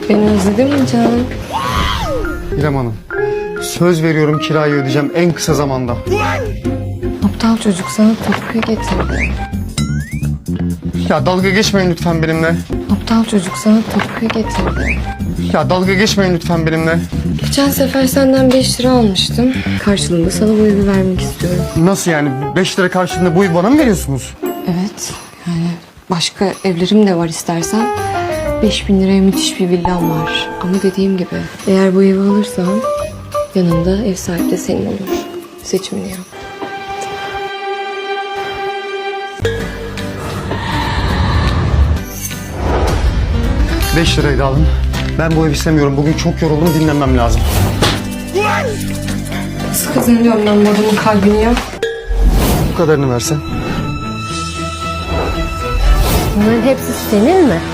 Beni özledin mi canım? İrem Hanım, söz veriyorum kirayı ödeyeceğim en kısa zamanda. Aptal çocuk sana tapuyu getirdi. Ya dalga geçmeyin lütfen benimle. Aptal çocuk sana tapuyu getirdi. Ya dalga geçmeyin lütfen benimle. Geçen sefer senden 5 lira almıştım. Karşılığında sana bu evi vermek istiyorum. Nasıl yani? 5 lira karşılığında bu evi bana mı veriyorsunuz? Evet, yani başka evlerim de var istersen. 5.000 liraya müthiş bir villam var. Ama dediğim gibi eğer bu evi alırsan yanında ev sahibi de senin olur. Seçimini yap. 5 lirayı da alın. Ben bu evi istemiyorum. Bugün çok yoruldum, dinlenmem lazım. Nasıl kazanıyorum ben bu adamın kalbini ya? Bu kadarını versen. Bunların hepsi senin mi?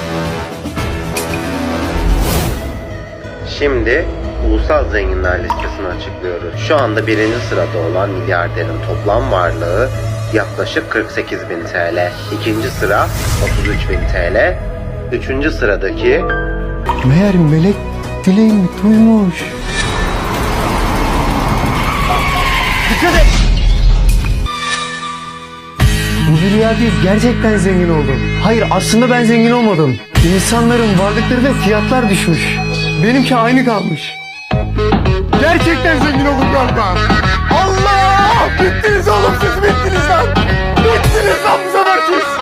Şimdi ulusal zenginler listesini açıklıyoruz. Şu anda birinci sırada olan milyarderin toplam varlığı yaklaşık 48.000 TL. İkinci sıra 33.000 TL. Üçüncü sıradaki Meğer melek dileğimi duymuş. Dikkat et! Bu bir rüya değil, gerçekten zengin oldum. Hayır, aslında ben zengin olmadım. İnsanların varlıkları ve fiyatlar düşmüş. Benimki aynı kalmış. Gerçekten zengin oldum galiba. Allah! Bittiniz oğlum, siz bittiniz lan! Bittiniz lan bu sefer siz!